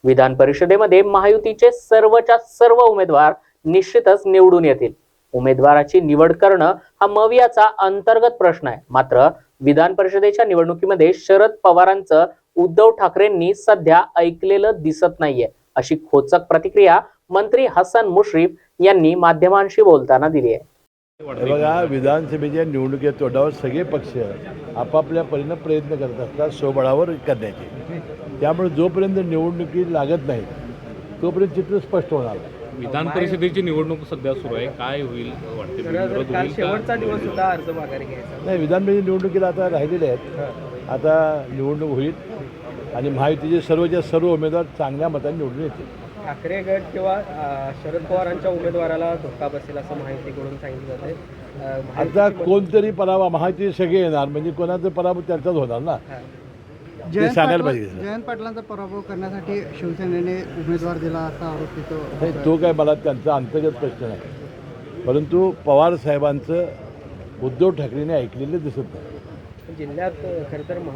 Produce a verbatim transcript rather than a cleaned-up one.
विधान परिषदेमध्ये महायुतीचे सर्वच्या सर्व उमेदवार निश्चितच निवडून येतील। उमेदवाराची निवड करणं हा मवियाचा अंतर्गत प्रश्न आहे। मात्र विधान परिषदेच्या निवडणुकीमध्ये शरद पवारांचं उद्धव ठाकरेंनी सध्या ऐकलेलं दिसत नाहीये, अशी खोचक प्रतिक्रिया मंत्री हसन मुश्रीफ यांनी माध्यमांशी बोलताना दिली आहे। बघा, विधानसभेच्या निवडणुकीच्या तोंडावर सगळे पक्ष आपापल्या परीने प्रयत्न करत असतात स्वबळावर करण्याचे। त्यामुळे जोपर्यंत निवडणुकी लागत नाही तोपर्यंत चित्र स्पष्ट होणार। विधान परिषदेची निवडणूक सध्या सुरू आहे, काय होईल वाटते? काल शेवटचा दिवस होता अर्ज माघारी घ्यायचा। नाही, विधान परिषद निवडणुकीला आता राहिलेले आहेत। आता निवडणूक होईल आणि महायुतीचे सर्वच्या सर्व उमेदवार चांगल्या मताने निवडून येतील। ठाकरे गट किंवा अ, शरद पवारांच्या उमेदवाराला धोका बसेल असं माहितीकडून सांगितलं जाते। अ, आता कोणतरी पराभव, महायुती सगळे येणार म्हणजे कोणाचा पराभव त्यांचाच होणार ना, ते सांगायला पाहिजे। जयंत पाटलांचा पराभव करण्यासाठी शिवसेनेने उमेदवार दिला असा आरोप तिथं नाही, तो काय मला त्यांचा अंतर्गत प्रश्न नाही, परंतु पवार साहेबांचं उद्धव ठाकरेंनी ऐकलेलं दिसत नाही। जिल्ह्यात खरं तर